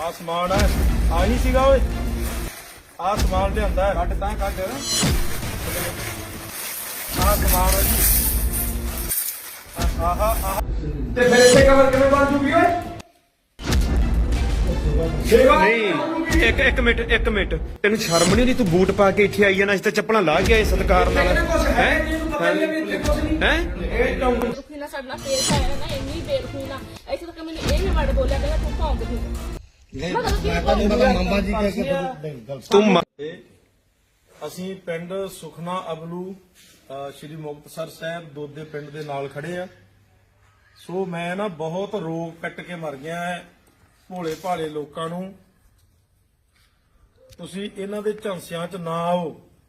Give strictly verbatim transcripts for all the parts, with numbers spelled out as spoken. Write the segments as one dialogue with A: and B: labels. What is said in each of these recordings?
A: ਆ ਸਮਾਨ ਹੈ ਆਹੀ ਸੀਗਾ ਓਏ ਆ ਸਮਾਨ ਲਿਆਂਦਾ ਹੈ ਕੱਢ ਤਾਂ ਕੱਢ ਆ ਸਮਾਨ ਹੈ ਜੀ ਆਹਾ ਆਹ ਤੇ ਫਿਰ ਇੱਥੇ ਕਵਰ ਕਿਵੇਂ ਬਣ ਜੂਗੀ ਓਏ ਨਹੀਂ ਇੱਕ ਇੱਕ ਮਿੰਟ ਇੱਕ ਮਿੰਟ ਤੈਨੂੰ ਸ਼ਰਮ ਨਹੀਂ ਆਉਂਦੀ ਤੂੰ ਬੂਟ ਪਾ ਕੇ ਇੱਥੇ ਆਈ ਜਾਣਾ ਅਸੀਂ ਤਾਂ ਚੱਪਲਾਂ ਲਾ ਕੇ ਆਏ ਸਤਿਕਾਰ ਨਾਲ ਹੈ ਹੈ ਇਹ
B: ਬੇਰੁਖੀ ਨਾਲ ਸਾਡਾ ਫੇਸ ਆਇਆ ਨਾ ਇੰਨੀ ਬੇਰੁਖੀ ਨਾਲ ਇੱਥੇ ਤੱਕ ਮੈਨੂੰ ਇਹ ਵੀ ਵੜ ਬੋਲਿਆ ਕਿ ਤੂੰ ਭੌਂਕਦੀ
C: ਨਹੀਂ ਮੈਂ ਤਾਂ ਨਹੀਂ ਪਤਾ ਮੰਮਾ ਜੀ ਕਹਿ ਕੇ ਨਹੀਂ ਗੱਲ
A: ਤੂੰ ਅਸੀਂ ਪਿੰਡ ਸੁਖਨਾ ਅਬਲੂ ਸ਼੍ਰੀ ਮੁਕਤਸਰ ਸਾਹਿਬ ਦੋਦੇ ਪਿੰਡ ਦੇ ਨਾਲ ਖੜੇ ਆ ਸੋ ਮੈਂ ਨਾ ਬਹੁਤ ਰੋਗ ਕੱਟ ਕੇ ਮਰ ਗਿਆ ਹੈ ਭੋਲੇ ਭਾਲੇ ਲੋਕਾਂ ਨੂੰ ਤੁਸੀਂ ਇਹਨਾਂ ਦੇ ਝਾਂਸਿਆਂ 'ਚ ਨਾ ਆਓ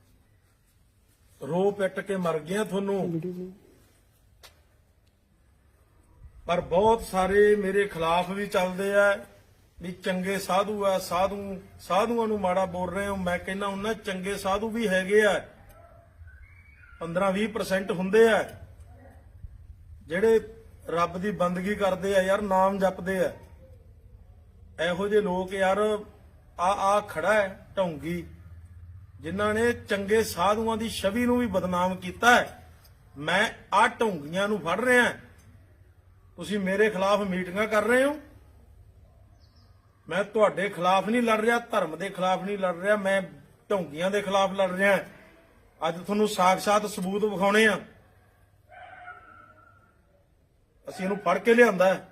A: ਰੋ ਪਿੱਟ ਕੇ ਮਰ ਗਿਆ ਤੁਹਾਨੂੰ ਪਰ ਬਹੁਤ ਸਾਰੇ ਮੇਰੇ ਖਿਲਾਫ ਵੀ ਚੱਲਦੇ ਆ ਵੀ ਚੰਗੇ ਸਾਧੂ ਆ ਸਾਧੂ ਸਾਧੂਆਂ ਨੂੰ ਮਾੜਾ ਬੋਲ ਰਹੇ ਹੋ ਮੈਂ ਕਹਿੰਦਾ ਉਹਨਾਂ ਚੰਗੇ ਸਾਧੂ ਵੀ ਹੈਗੇ ਆ ਪੰਦਰਾਂ ਵੀਹ ਪਰਸੈਂਟ ਹੁੰਦੇ ਆ ਜਿਹੜੇ ਰੱਬ ਦੀ ਬੰਦਗੀ ਕਰਦੇ ਆ ਯਾਰ ਨਾਮ ਜਪਦੇ ਆ ਇਹੋ ਜਿਹੇ ਲੋਕ ਯਾਰ ਆ ਆ ਖੜਾ ਹੈ ਢੌਂਗੀ ਜਿਨ੍ਹਾਂ ਨੇ ਚੰਗੇ ਸਾਧੂਆਂ ਦੀ ਛਵੀ ਨੂੰ ਵੀ ਬਦਨਾਮ ਕੀਤਾ ਹੈ ਮੈਂ ਆ ਢੌਂਗੀਆਂ ਨੂੰ ਫੜ ਰਿਹਾ ਤੁਸੀਂ ਮੇਰੇ ਖਿਲਾਫ ਮੀਟਿੰਗਾਂ ਕਰ ਰਹੇ ਹੋ ਮੈਂ ਤੁਹਾਡੇ ਖਿਲਾਫ ਨਹੀਂ ਲੜ ਰਿਹਾ ਧਰਮ ਦੇ ਖਿਲਾਫ ਨਹੀਂ ਲੜ ਰਿਹਾ ਮੈਂ ਢੌਂਗੀਆਂ ਦੇ ਖਿਲਾਫ ਲੜ ਰਿਹਾ ਅੱਜ ਤੁਹਾਨੂੰ ਸਾਖ-ਸਾਤ ਸਬੂਤ ਵਿਖਾਉਣੇ ਆ ਅਸੀਂ ਇਹਨੂੰ ਫੜ ਕੇ ਲਿਆਂਦਾ ਹੈ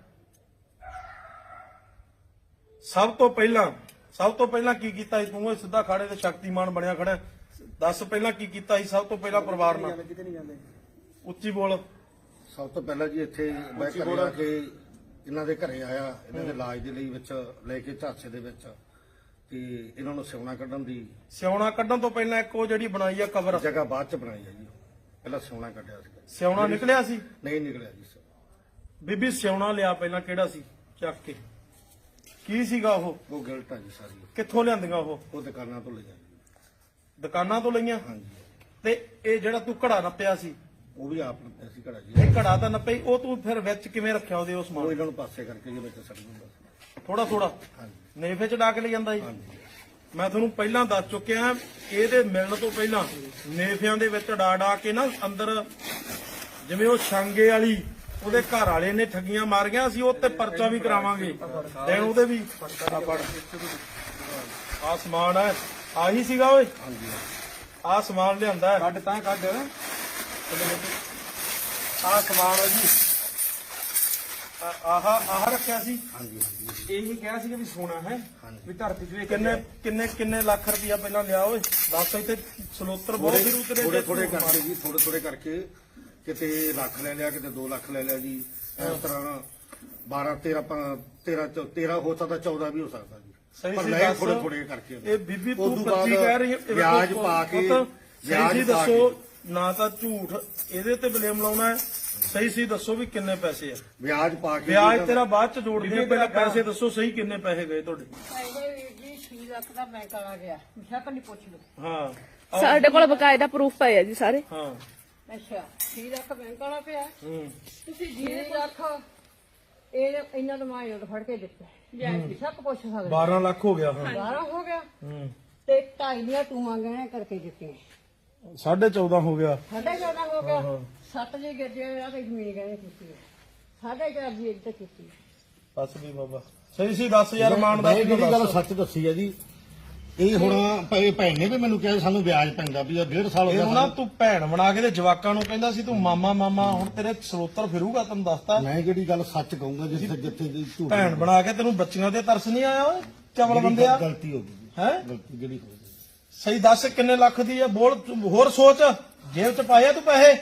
A: ਸਭ ਤੋਂ ਪਹਿਲਾਂ ਸਭ ਤੋਂ ਪਹਿਲਾਂ ਕੀ ਕੀਤਾ ਸੀ ਤੂੰ ਸਿੱਧਾ ਖਾੜੇ ਤੇ ਸ਼ਕਤੀਮਾਨ ਬਣਿਆ ਖੜਾ ਦੱਸ ਪਹਿਲਾਂ ਕੀ ਕੀਤਾ ਸੀ ਸਭ ਤੋਂ ਪਹਿਲਾਂ ਪਰਿਵਾਰ ਨਾਲ ਉੱਚੀ ਬੋਲ
C: ਸਭ ਤੋਂ ਪਹਿਲਾਂ ਜੀ ਇੱਥੇ ਮੈਂ ਘਰੇ ਆ ਕੇ ਇਹਨਾਂ ਦੇ ਘਰੇ ਆਇਆ ਇਹਨਾਂ ਦੇ ਇਲਾਜ ਦੇ ਲਈ ਵਿੱਚ ਲੈ ਕੇ ਝਾਂਸੇ ਦੇ ਵਿੱਚ ਤੇ ਇਹਨਾਂ ਨੂੰ ਸਿਉਣਾ ਕੱਢਣ ਦੀ
A: ਸਿਉਣਾ ਕੱਢਣ ਤੋਂ ਪਹਿਲਾਂ ਇੱਕ ਉਹ ਜਿਹੜੀ ਬਣਾਈ ਆ ਕਬਰ
C: ਜਗ੍ਹਾ ਬਾਅਦ ਚ ਬਣਾਈ ਹੈ ਜੀ ਪਹਿਲਾਂ ਸਿਉਣਾ ਕੱਢਿਆ ਸੀ
A: ਸਿਉਣਾ ਨਿਕਲਿਆ ਸੀ
C: ਨਹੀਂ ਨਿਕਲਿਆ ਜੀ
A: ਬੀਬੀ ਸਿਉਣਾ ਲਿਆ ਪਹਿਲਾਂ ਕਿਹੜਾ ਸੀ ਚੱਕ ਕੇ ਕੀ ਸੀਗਾ ਉਹ
C: ਉਹ ਗਿਲਟ ਆ ਜੀ ਸਾਰੀ
A: ਕਿੱਥੋਂ ਲਿਆਂਦੀਆਂ ਉਹ
C: ਉਹ ਦੁਕਾਨਾਂ ਤੋਂ ਲਈਆਂ ਜੀ
A: ਦੁਕਾਨਾਂ ਤੋਂ ਲਈਆਂ
C: ਹਾਂਜੀ
A: ਤੇ ਇਹ ਜਿਹੜਾ ਤੂੰ ਘੜਾ ਨੱਪਿਆ ਸੀ
C: ਉਹ ਵੀ ਆਪ ਨੇ ਅਸੀਂ ਘੜਾ ਜੀ
A: ਇਹ ਘੜਾ ਤਾਂ ਨੱਪਈ ਉਹ ਤੂੰ ਫਿਰ ਵਿੱਚ ਕਿਵੇਂ ਰੱਖਿਆ ਉਹਦੇ ਉਸ
C: ਉਹ
A: ਸਮਾਨ
C: ਇਹਨਾਂ ਨੂੰ ਪਾਸੇ ਕਰਕੇ ਜੀ ਵਿੱਚ ਸੜ ਦਿੰਦਾ ਸੀ
A: ਥੋੜਾ ਥੋੜਾ
C: ਹਾਂਜੀ
A: ਨੇਫੇ ਚ ਡਾਕ ਲੈ ਜਾਂਦਾ ਜੀ
C: ਹਾਂਜੀ
A: ਮੈਂ ਤੁਹਾਨੂੰ ਪਹਿਲਾਂ ਦੱਸ ਚੁੱਕਿਆ ਇਹਦੇ ਮਿਲਣ ਤੋਂ ਪਹਿਲਾਂ ਨੇਫਿਆਂ ਦੇ ਵਿੱਚ ਡਾ ਡਾ ਕੇ ਨਾ ਅੰਦਰ ਜਿਵੇਂ ਉਹ ਛਾਂਗੇ ਵਾਲੀ ਉਹਦੇ ਘਰ ਵਾਲੇ ਨੇ ਠੱਗੀਆਂ ਮਾਰੀਆਂ ਅਸੀਂ ਉਹ ਤੇ ਪਰਚਾ ਵੀ ਕਰਾਵਾਂਗੇ ਦੇਣ ਉਹਦੇ ਵੀ ਆ ਸਮਾਨ ਹੈ ਆਹੀ ਸੀਗਾ ਓਏ
C: ਹਾਂਜੀ
A: ਆ ਸਮਾਨ ਲਿਆਂਦਾ ਹੈ
D: ਕੱਢ ਤਾਂ ਕੱਢ
A: ਆ ਸਮਾਨ ਹੈ ਜੀ ਆਹ ਆਹ ਰੱਖਿਆ ਸੀ
C: ਹਾਂਜੀ ਹਾਂਜੀ
A: ਇਹੀ ਕਿਹਾ ਸੀ ਕਿ ਵੀ ਸੋਨਾ ਹੈ
C: ਹਾਂਜੀ।
A: ਵੀ ਧਰਤੀ ਚ ਕਿੰਨੇ ਕਿੰਨੇ ਕਿੰਨੇ ਲੱਖ ਰੁਪਇਆ ਪਹਿਲਾਂ ਲਿਆ ਓਏ ਦੱਸ ਇੱਥੇ ਸਲੋਤਰ ਬਹੁਤ ਫਿਰ ਉਤਰੇ
C: ਥੋੜੇ ਥੋੜੇ ਕਰਕੇ ਜੀ ਥੋੜੇ ਥੋੜੇ ਕਰਕੇ ਕਿਤੇ ਲੱਖ ਲੈ ਲਿਆ ਕਿਤੇ ਦੋ ਲੱਖ ਲੈ ਲਿਆ ਜੀ ਇਸ ਤਰ੍ਹਾਂ ਬਾਰਾਂ ਤੇਰਾਂ ਤੇਰਾਂ ਤੇਰਾਂ ਹੋ ਸਕਦਾ ਚੌਦਾਂ ਵੀ ਹੋ ਸਕਦਾ ਜੀ
A: ਸਹੀ
C: ਪਰ
A: ਸੀ
C: ਲੈ
A: ਦੱਸ
C: ਥੋੜੇ ਥੋੜੇ ਕਰਕੇ
A: ਇਹ ਬੀਬੀ
C: ਉਸ
A: ਤੂੰ
C: ਤੋਂ ਬਾਅਦ
A: ਪੱਚੀ ਕਹਿ ਰਹੀ ਹੈ
C: ਵਿਆਜ ਪਾ ਕੇ
A: ਵਿਆਜ
C: ਵਿਆਜ ਪਾ
A: ਦੱਸੋ
C: ਕੇ
A: ਨਾ ਤਾਂ ਝੂਠ ਇਹਦੇ ਤੇ ਬਲੇਮ ਲਾਉਣਾ ਹੈ ਸਹੀ ਸੀ ਦੱਸੋ ਵੀ ਕਿੰਨੇ ਪੈਸੇ ਆ
C: ਵਿਆਜ ਪਾ ਕੇ
A: ਵਿਆਜ ਤੇਰਾ ਬਾਅਦ ਚ ਜੋੜਦੇ ਆ ਪਹਿਲਾਂ ਪੈਸੇ ਦੱਸੋ ਸਹੀ ਕਿੰਨੇ ਪੈਸੇ ਗਏ ਤੁਹਾਡੇ
B: ਇਹਦੇ ਵੀਰ ਜੀ ਛੇ ਲੱਖ ਦਾ ਬੈਂਕ ਆ ਗਿਆ ਸ਼ੱਕ ਨਹੀਂ ਪੁੱਛ ਲਓ
A: ਹਾਂ
E: ਸਾਡੇ ਕੋਲ ਬਕਾਇਦਾ ਪ੍ਰੂਫ ਪਏ ਆ ਜੀ ਸਾਰੇ
A: ਹਾਂ
B: ਅੱਛਾ ਛੇ ਲੱਖ ਬੈਂਕ ਵਾਲਾ ਪਿਆ
A: ਹੂੰ
B: ਤੁਸੀਂ ਛੇ ਲੱਖ ਇਹ ਇਹਨਾਂ ਨੂੰ ਮੈਂ ਉਹ ਫੜ ਕੇ ਦਿੱਤਾ ਵਿਆਜ ਸ਼ੱਕ ਪੁੱਛ ਸਕਦੇ
A: ਬਾਰਾਂ ਲੱਖ ਹੋ ਗਿਆ ਹਾਂ
B: ਬਾਰਾਂ ਹੋ ਗਿਆ
A: ਹੂੰ
B: ਤੇ ਢਾਈ ਦੀਆਂ ਟੂਆਂ ਗਹਿਣੇ ਕਰਕੇ ਦਿੱਤੀਆਂ
A: ਸਾਢੇ ਚੌਦਾਂ ਹੋ ਗਿਆ
B: ਸਾਢੇ ਚੌਦਾਂ ਹੋ ਗਿਆ ਸੱਤ ਜੀ ਗੱਜੇ ਆ ਤੇ ਜ਼ਮੀਨ ਗਹਿਣੇ ਕੀਤੀ ਹੈ ਸਾਢੇ ਚਾਰ ਦੀ ਇੱਕ ਤੇ ਕੀਤੀ
A: ਬਸ ਵੀ ਬਾਬਾ ਸਹੀ ਸੀ ਦੱਸ ਯਾਰ ਮਾਨ ਦਾ
C: ਮੈਂ ਜਿਹੜੀ ਗੱਲ ਸੱਚ ਦੱਸੀ ਹੈ ਜੀ ਇਹ ਹੁਣ ਭਾਈ ਭੈਣ ਨੇ ਵੀ ਮੈਨੂੰ ਕਿਹਾ ਸਾਨੂੰ ਵਿਆਜ ਪੈਂਦਾ ਵੀ ਡੇਢ ਸਾਲ ਹੋ
A: ਇਹ ਹੁਣ ਨਾ ਤੂੰ ਭੈਣ ਬਣਾ ਕੇ ਤੇ ਜਵਾਕਾਂ ਨੂੰ ਕਹਿੰਦਾ ਸੀ ਤੂੰ ਮਾਮਾ ਮਾਮਾ ਹੁਣ ਤੇਰੇ ਸਰੋਤਰ ਫਿਰੂਗਾ ਤੈਨੂੰ ਦੱਸਤਾ
C: ਮੈਂ ਜਿਹੜੀ ਗੱਲ ਸੱਚ ਕਹੂੰਗਾ ਜਿੱਥੇ ਜਿੱਥੇ ਦੀ ਝੂਠ
A: ਭੈਣ ਬਣਾ ਕੇ ਤੈਨੂੰ ਬੱਚੀਆਂ ਤੇ ਤਰਸ ਨਹੀਂ ਆਇਆ ਓਏ ਚਵਲ ਬੰਦਿਆ
C: ਗਲਤੀ ਹੋ ਗਈ
A: ਹੈ
C: ਗਲਤੀ ਜਿਹੜੀ ਹੋ ਗਈ
A: ਸਹੀ ਦੱਸ ਕਿੰਨੇ ਲੱਖ ਦੀ ਆ ਬੋਲ ਤੂੰ ਹੋਰ ਸੋਚ ਜੇਬ ਚ ਪਾਇਆ ਤੂੰ ਪੈਸੇ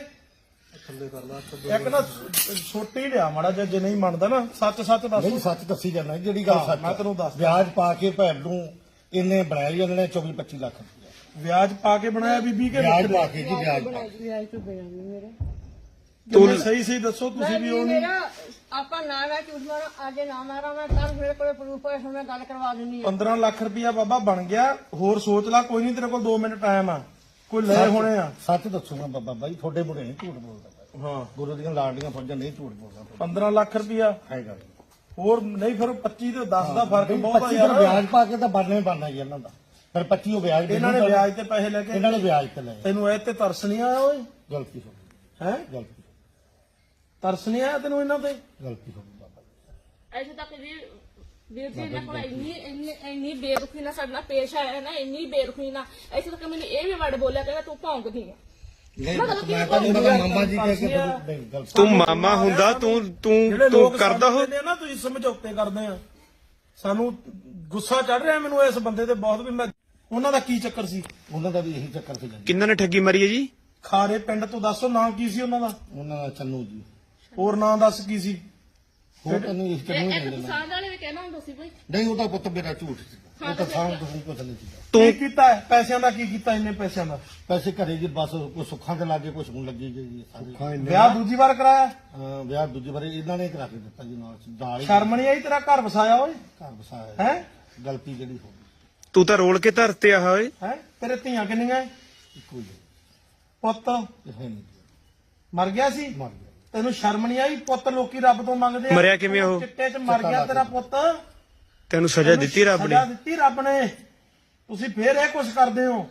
A: ਇੱਕ ਨਾ ਛੋਟੀ ਲਿਆ ਮਾੜਾ ਜਿਹਾ ਜੇ ਨਹੀਂ ਮੰਨਦਾ ਨਾ ਸੱਚ ਸੱਚ ਦੱਸ
C: ਨਹੀਂ ਸੱਚ ਦੱਸੀ ਜਾਂਦਾ ਜਿਹੜੀ ਗੱਲ
A: ਹਾਂ,
C: ਸੱਚ
A: ਮੈਂ ਤੈਨੂੰ ਦੱਸਦਾ।
C: ਵਿਆਜ ਪਾ ਕੇ ਭੈਣ ਨੂੰ ਇਹਨੇ ਬਣਾਇਆ ਜੀ ਉਹਨਾਂ ਨੇ ਚੌਵੀ ਪੱਚੀ ਲੱਖ ਰੁਪਇਆ।
A: ਵਿਆਜ ਪਾ ਕੇ ਬਣਾਇਆ ਬੀਬੀ ਕੇ
C: ਵਿਆਜ ਪਾ ਕੇ ਜੀ ਵਿਆਜ ਪਾ ਕੇ
B: ਵਿਆਜ ਤੋਂ ਬਿਨਾਂ ਨਹੀਂ ਮੇਰੇ
A: ਤੂੰ ਸਹੀ ਸਹੀ ਦੱਸੋ ਤੁਸੀਂ ਵੀ ਉਹ ਨਹੀਂ
B: ਮੇਰਾ ਆਪਾਂ ਨਾ ਮੈਂ ਝੂਠ ਮਾਰਾਂ ਅੱਜ ਨਾ ਮਾਰਾਂ ਮੈਂ ਕੱਲ ਮੇਰੇ ਕੋਲੇ ਪ੍ਰੂਫ ਹੈ ਹੁਣ ਮੈਂ ਗੱਲ ਕਰਵਾ ਦਿੰਦੀ ਆ
A: ਪੰਦਰਾਂ ਲੱਖ ਰੁਪਇਆ ਬਾਬਾ ਬਣ ਗਿਆ ਹੋਰ ਸੋਚ ਲੈ ਕੋਈ ਨਹੀਂ ਤੇਰੇ ਕੋਲ ਦੋ ਮਿੰਟ ਟਾਈਮ ਆ ਕੋਈ ਲੈ ਹੋਣੇ ਆ
C: ਸੱਚ ਦੱਸੂਗਾ ਬਾਬਾ ਬਾਈ ਤੁਹਾਡੇ ਮੁੰਡੇ ਨਹੀਂ ਝੂਠ ਬੋਲਦਾ
A: ਹਾਂ
C: ਗੁਰੂ ਦੀਆਂ ਲਾਡੀਆਂ ਫੌਜਾਂ ਨਹੀਂ ਝੂਠ ਬੋਲਦਾ
A: ਪੰਦਰਾਂ ਲੱਖ ਰੁਪਇਆ
C: ਹੈਗਾ
A: ਹੋਰ ਨਹੀਂ ਫਿਰ ਪੱਚੀ ਤੇ ਦਸ ਦਾ ਫਰਕ ਬਹੁਤ ਆ
C: ਪੱਚੀ
A: ਯਾਰ।
C: ਫਿਰ ਵਿਆਜ ਪਾ ਕੇ ਤਾਂ ਬਣਨੇ ਬਣਨਾ ਜੀ ਇਹਨਾਂ ਦਾ। ਫਿਰ ਪੱਚੀ ਉਹ ਵਿਆਜ
A: ਇਹਨਾਂ ਨੇ ਵਿਆਜ ਤੇ ਪੈਸੇ ਲੈ ਕੇ
C: ਇਹਨਾਂ ਨੇ ਵਿਆਜ ਤੇ ਲਏ।
A: ਤੈਨੂੰ ਇਹ ਤੇ ਤਰਸ ਨਹੀਂ ਆਇਆ ਓਏ?
C: ਗਲਤੀ ਹੋ ਗਈ,
A: ਹੈ
C: ਗਲਤੀ
A: ਤਰਸ ਨਹੀਂ ਆਇਆ ਤੈਨੂੰ ਇਹਨਾਂ ਤੇ?
C: ਗਲਤੀ ਹੋ ਗਈ ਬਾਬਾ ਜੀ।
E: ਐਸੇ ਤੱਕ ਵੀ ਵੀਰ ਜੀ ਇਹਨਾਂ ਕੋਲ ਇੰਨੀ ਇੰਨੀ ਇੰਨੀ ਬੇਰੁਖੀ ਨਾਲ ਸਾਡੇ ਨਾਲ ਪੇਸ਼ ਆਇਆ ਨਾ, ਇੰਨੀ ਬੇਰੁਖੀ ਨਾਲ ਐਸੇ ਤੱਕ ਮੈਨੂੰ ਇਹ ਵੀ ਵਰਡ ਬੋਲਿਆ ਕਹਿੰਦਾ ਤੂੰ ਭੌਂਕਦੀ ਆ।
C: ਨਹੀਂ ਮੈਂ ਤਾਂ ਨਹੀਂ ਪਤਾ ਮਾਮਾ ਜੀ ਕਹਿ ਕੇ ਨਹੀਂ ਗਲਤੀ।
D: ਤੂੰ ਮਾਮਾ ਹੁੰਦਾ ਤੂੰ ਤੂੰ
A: ਜਿਹੜੇ
D: ਤੂੰ
A: ਲੋਕ
D: ਕਰਦਾ ਹੋ
A: ਸਮਝਦੇ ਨੇ ਨਾ ਤੁਸੀਂ ਸਮਝੌਤੇ ਕਰਦੇ ਆ, ਸਾਨੂੰ ਗੁੱਸਾ ਚੜ ਰਿਹਾ ਮੈਨੂੰ ਇਸ ਬੰਦੇ ਤੇ ਬਹੁਤ ਵੀ। ਮੈਂ ਉਹਨਾਂ ਦਾ ਕੀ ਚੱਕਰ ਸੀ?
C: ਉਹਨਾਂ ਦਾ ਵੀ ਇਹੀ ਚੱਕਰ ਸੀ ਜੀ।
D: ਕਿੰਨਾਂ ਨੇ ਠੱਗੀ ਮਾਰੀ ਹੈ ਜੀ?
A: ਖਾਰੇ ਪਿੰਡ ਤੋਂ ਦੱਸੋ ਨਾਮ ਕੀ ਸੀ ਉਹਨਾਂ ਦਾ?
C: ਉਹਨਾਂ ਦਾ ਚੰਨੂ ਜੀ।
A: ਹੋਰ ਨਾਂ ਦੱਸ ਕੀ ਸੀ?
C: ਹੋਰ ਤੈਨੂੰ ਇਸ ਚੰਨੂ ਹੀ
E: ਇੱਕ
C: ਕਹਿੰਦੇ ਨੇ।
E: ਕਿਸਾਨ ਵਾਲੇ ਵੀ ਕਹਿਣਾ ਹੁੰਦਾ ਸੀ ਬਈ
C: ਨਹੀਂ ਉਹਦਾ ਪੁੱਤ ਮੇਰਾ ਝੂਠ ਸੀ। ਉਹ ਤਾਂ ਸਾਂਭ ਤੋਂ ਕੁਝ ਨਹੀਂ ਸੀ।
A: ਕੀ ਕੀਤਾ ਹੈ? ਪੈਸਿਆਂ ਦਾ ਕੀ ਕੀਤਾ ਇੰਨੇ ਪੈਸਿਆਂ ਦਾ?
C: ਪੈਸੇ ਘਰੇ ਜੀ ਬਸ ਕੋਈ ਸੁੱਖਾਂ ਦੇ ਲਾਗੇ ਕੁਝ ਹੁਣ ਲੱਗੀ ਜੀ ਸਾਰੇ।
A: ਵਿਆਹ ਦੂਜੀ ਵਾਰ ਕਰਾਇਆ?
C: ਅਹ ਵਿਆਹ ਦੂਜੀ ਵਾਰੀ ਇਹਨਾਂ ਨੇ ਕਰਾ ਕੇ ਦਿੱਤਾ ਜੀ ਨਾਲ ਦਾਲ ਹੀ
A: ਸ਼ਰਮ ਨਹੀਂ ਆਈ ਤੇਰਾ ਘਰ ਵਸਾਇਆ ਓਏ?
C: ਘਰ ਵਸਾਇਆ
A: ਹੈ
C: ਗਲਤੀ ਜਿਹੜੀ ਹੋ ਗਈ
D: ਤੂੰ ਤਾਂ ਰੋਲ ਕੇ ਧਰਤੇ ਆ ਓਏ।
A: ਹੈ ਤੇਰੇ ਧੀਆਂ ਕਿੰਨੀਆਂ?
C: ਇੱਕੋ ਹੀ
A: ਪੁੱਤ
C: ਹੈ ਹੈ ਨਹੀਂ
A: ਮਰ ਗਿਆ ਸੀ?
C: ਮਰ ਗਿਆ।
A: ਤੈਨੂੰ ਸ਼ਰਮ ਨਹੀਂ ਆਈ? ਪੁੱਤ ਲੋਕੀ ਰੱਬ ਤੋਂ ਮੰਗਦੇ ਆ।
D: ਮਰਿਆ ਕਿਵੇਂ ਉਹ?
A: ਚਿੱਟੇ 'ਚ ਮਰ ਗਿਆ ਤੇਰਾ ਪੁੱਤ।
D: ਤੈਨੂੰ ਸਜ਼ਾ ਦਿੱਤੀ ਰੱਬ ਨੇ?
A: ਸਜ਼ਾ ਦਿੱਤੀ ਰੱਬ ਨੇ। ਤੁਸੀਂ ਫੇਰ ਇਹ ਕੁਝ ਕਰਦੇ ਹੋ।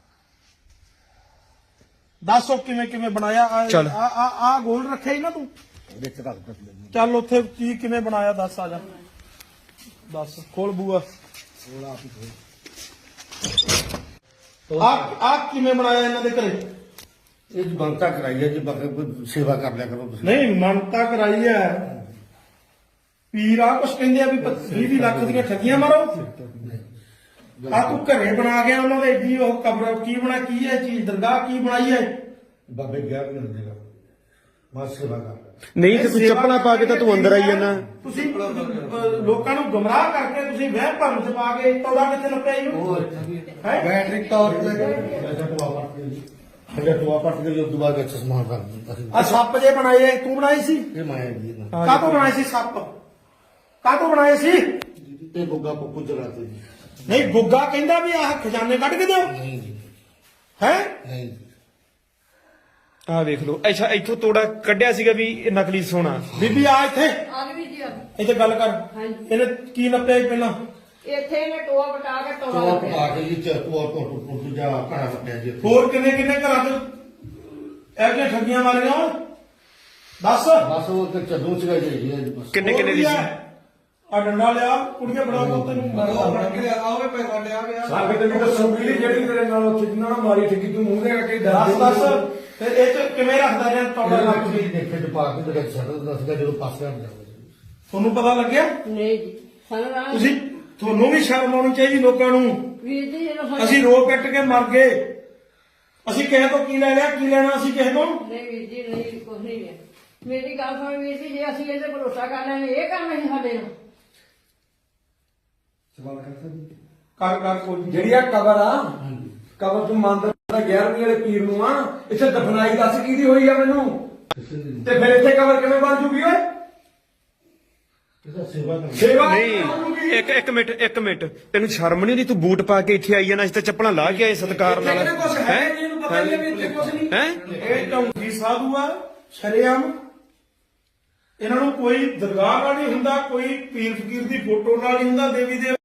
A: ਦੱਸੋ ਕਿਵੇਂ ਕਿਵੇਂ ਬਣਾਇਆ? ਆ
D: ਚੱਲ।
A: ਆ ਆ- ਆ ਗੋਲ ਰੱਖਿਆ ਹੀ ਨਾ ਤੂੰ?
C: ਵਿੱਚ ਰੱਖ ਦਿੱਤੀ ਜੀ।
A: ਚੱਲ ਉੱਥੇ ਕੀ ਕਿਵੇਂ ਬਣਾਇਆ ਦੱਸ, ਆ ਜਾ ਦੱਸ, ਖੋਲ ਬੂਆ। ਆ ਆ ਕਿਵੇਂ ਬਣਾਇਆ ਇਹਨਾਂ ਦੇ ਘਰੇ?
C: ਇਹ ਜੀ ਬੰਤਾ ਕਰਾਈ ਹੈ ਜੀ ਬਾਕੀ ਕੋਈ ਸੇਵਾ ਕਰ ਲਿਆ ਕਰੋ ਤੁਸੀਂ।
A: ਨਹੀਂ ਮੰਨਤਾ ਕਰਾਈ ਹੈ ਪੀਰ। ਆ ਕੁਛ ਕਹਿੰਦੇ ਆ ਵੀ ਵੀਹ ਲੱਖ ਦੀਆਂ ਠੱਗੀਆਂ ਮਾਰੋ। ਆ ਤੂੰ ਘਰੇ ਬਣਾ ਗਿਆ ਉਹਨਾਂ ਦੇ ਏਡੀ ਉਹ ਕਬਰ ਕੀ ਬਣਾ, ਕੀ ਹੈ ਚੀਜ਼, ਦਰਗਾਹ ਕੀ ਬਣਾਈ ਹੈ?
C: ਬਾਬੇ ਗਿਆ ਵੀ ਨਹੀਂ ਦੇਗਾ ਬਸ ਸੇਵਾ ਕਰ
D: ਨਹੀਂ ਤੇ ਤੂੰ ਚੱਪਲਾਂ ਪਾ ਕੇ ਤਾਂ ਤੂੰ ਅੰਦਰ ਆਈ ਜਾਂਦਾ।
A: ਤੁਸੀਂ ਅਹ, ਲੋਕਾਂ ਨੂੰ ਗੁੰਮਰਾਹ ਕਰਕੇ ਤੁਸੀਂ ਵਹਿਮ ਭਰਮ ਚ ਪਾ ਕੇ ਤੋੜਾ ਕਿੱਥੇ ਲੱਪਿਆ ਇਹਨੂੰ? ਹੈ
C: ਬੈਟਰੀ ਤੌਰ ਤੇ ਅੱਛਾ ਟੁਆ ਪੱਟ ਕੇ ਜੀ ਅੱਛਾ ਟੁਆ ਪੱਟ ਕੇ ਉਸ ਤੋਂ ਬਾਅਦ ਵਿੱਚ ਸਮਾਨ ਕਰ ਦਿੰਦਾ ਸੀ।
A: ਆ ਸੱਪ ਜੇ ਬਣਾਏ ਤੂੰ ਬਣਾਈ ਸੀ?
C: ਇਹ ਮਾਇਆ ਜੀ ਨਾ
A: ਕਾਹਤੋਂ ਬਣਾਏ ਸੀ ਸੱਪ? ਕਾਹਤੋਂ ਬਣਾਏ ਸੀ?
C: ਤੇ ਗੁੱਗਾ ਪੁੱਪੂ ਚਲਾਤੇ ਜੀ।
A: ਨਹੀਂ ਗੁੱਗਾ ਕਹਿੰਦਾ ਵੀ ਆਹ ਖਜ਼ਾਨੇ ਕੱਢ ਕੇ ਦਿਓ।
C: ਨਹੀਂ ਜੀ
A: ਹੈ
C: ਨਹੀਂ ਜੀ।
D: ਆਹ ਵੇਖ ਲਓ। ਅੱਛਾ ਇੱਥੋਂ ਤੋੜਾ ਕੱਢਿਆ ਸੀਗਾ ਵੀ ਇਹ ਨਕਲੀ ਸੋਨਾ।
A: ਬੀਬੀ ਆ ਇੱਥੇ,
B: ਆ ਗਈ ਜੀ ਆ ਗਈ।
A: ਇੱਥੇ ਗੱਲ ਕਰ।
B: ਹਾਂਜੀ।
A: ਇਹਨੇ ਕੀ ਨੱਪਿਆ ਸੀ ਪਹਿਲਾਂ?
B: ਇੱਥੇ ਇਹਨੇ ਟੋਆ ਬਟਾ ਕੇ ਟੋਆ
C: ਟੁਆ
B: ਲੱਭਿਆ।
C: ਪਾ ਕੇ ਜੀ ਚ ਟੁਆ ਟੁਆ ਟੁਆ ਜਾ ਘੜਾ ਵੱਟਿਆ ਜੀ ਇੱਥੇ।
A: ਹੋਰ ਕਿੰਨੇ ਕਿੰਨੇ ਘਰਾਂ ਚ ਇਹ ਜਿਹੀਆਂ ਠੱਗੀਆਂ ਮਾਰੀਆਂ ਹੋਣ? ਦੱਸ।
C: ਬਸ ਉਹ ਤੇ ਚੱਲੂ ਸੀਗਾ ਜੀ ਜੀ ਬਸ।
D: ਕਿੰਨੇ ਕਿੰਨੇ ਦੀ ਸੀ?
A: ਆ ਡੰਡਾ ਲਿਆ, ਕੁੜੀਆਂ ਬੜਾ ਪੁੱਤ ਨੂੰ
F: ਸਾਡੇ ਤੇ ਵੀ ਦੱਸੂਗੀ ਜਿਹੜੀ ਤੇਰੇ ਨਾਲ ਉੱਥੇ ਜਿੰਨਾ ਨਾਲ ਮਾਰੀ ਠੱਗੀ ਤੂੰ ਮੂੰਹ ਦੇ ਕੇ
A: ਦੱਸ ਦੱਸ ਫਿਰ ਇਹ ਚ ਕਿਵੇਂ ਰੱਖਦਾ ਜਾਂ ਤੋੜਾ
C: ਉਹਨਾਂ
A: ਲੱਗ
C: ਨੂੰ
A: ਗਈ?
C: ਵੀ ਦੇਖੇ ਤੇ ਪਾ ਕੇ ਤੇ ਛੱਡ ਦਿੰਦਾ ਸੀਗਾ ਜਦੋਂ ਪਾਸੇ ਹਟ ਜਾਂਦਾ ਸੀ।
A: ਤੁਹਾਨੂੰ ਪਤਾ ਲੱਗਿਆ?
B: ਨਹੀਂ ਜੀ ਸਾਨੂੰ ਰਾਮ
A: ਤੁਸੀਂ ਤੁਹਾਨੂੰ ਵੀ ਸ਼ਰਮ ਆਉਣੀ ਚਾਹੀਦੀ ਲੋਕਾਂ ਨੂੰ।
B: ਵੀਰ ਜੀ ਇਹਨੂੰ
A: ਅਸੀਂ ਰੋ ਕੱਟ ਕੇ ਮਰ ਗਏ। ਅਸੀਂ ਕਿਸੇ ਤੋਂ ਕੀ ਲੈ ਲਿਆ? ਕੀ ਲੈਣਾ ਅਸੀਂ ਕਿਸੇ ਤੋਂ?
B: ਨਹੀਂ ਵੀਰ ਜੀ ਨਹੀਂ ਕੁਝ ਨਹੀਂ ਹੈ। ਮੇਰੀ ਗੱਲ ਸੁਣ ਵੀਰ ਜੀ, ਜੇ ਅਸੀਂ ਇਹਦੇ ਭਰੋਸਾ ਕਰ ਲੈਣੇ ਇਹ ਕੰਮ ਨਹੀਂ ਸਾਡੇ ਨਾਲ।
A: ਕਰ ਕਰ ਕੋਈ
F: ਜਿਹੜੀ ਆ ਕਬਰ ਆ ਕਬਰ ਤੂੰ ਮੰਨਦਾ ਗਿਆਰਵੀਂ ਵਾਲੇ ਪੀਰ ਨੂੰ ਆ, ਇੱਥੇ ਦਫਨਾਈ ਦੱਸ ਕਿਹਦੀ ਹੋਈ ਆ ਮੈਨੂੰ? ਤੇ ਫਿਰ ਇੱਥੇ ਕਬਰ ਕਿਵੇਂ ਬਣ ਜੂਗੀ ਓਏ?
C: ਇਹਦਾ ਸੇਵਾ ਕਰ
F: ਸੇਵਾ
D: ਨਹੀਂ ਇੱਕ ਇੱਕ ਮਿੰਟ ਇੱਕ ਮਿੰਟ ਤੈਨੂੰ ਸ਼ਰਮ ਨਹੀਂ ਆਉਂਦੀ? ਤੂੰ ਬੂਟ ਪਾ ਕੇ ਇੱਥੇ ਆਈ ਜਾਂਦਾ, ਅਸੀਂ ਤਾਂ ਚੱਪਲਾਂ ਲਾ ਕੇ ਆਏ ਸਤਿਕਾਰ ਨਾਲ।
F: ਇੱਥੇ ਕੁਝ ਹੈ ਜੀ, ਇਹਨੂੰ ਪਤਾ ਹੀ ਹੈ ਵੀ ਇੱਥੇ ਕੁਝ ਨਹੀਂ।
D: ਹੈ
A: ਇਹ ਢੌਂਗੀ ਸਾਧੂ ਆ ਸ਼ਰੇਆਮ। ਇਹਨਾਂ ਨੂੰ ਕੋਈ ਦਰਗਾਹ ਨਾਲ ਨਹੀਂ ਹੁੰਦਾ, ਕੋਈ ਪੀਰ ਫਕੀਰ ਦੀ ਫੋਟੋ ਨਾਲ ਨਹੀਂ ਹੁੰਦਾ, ਦੇਵੀ ਦੇ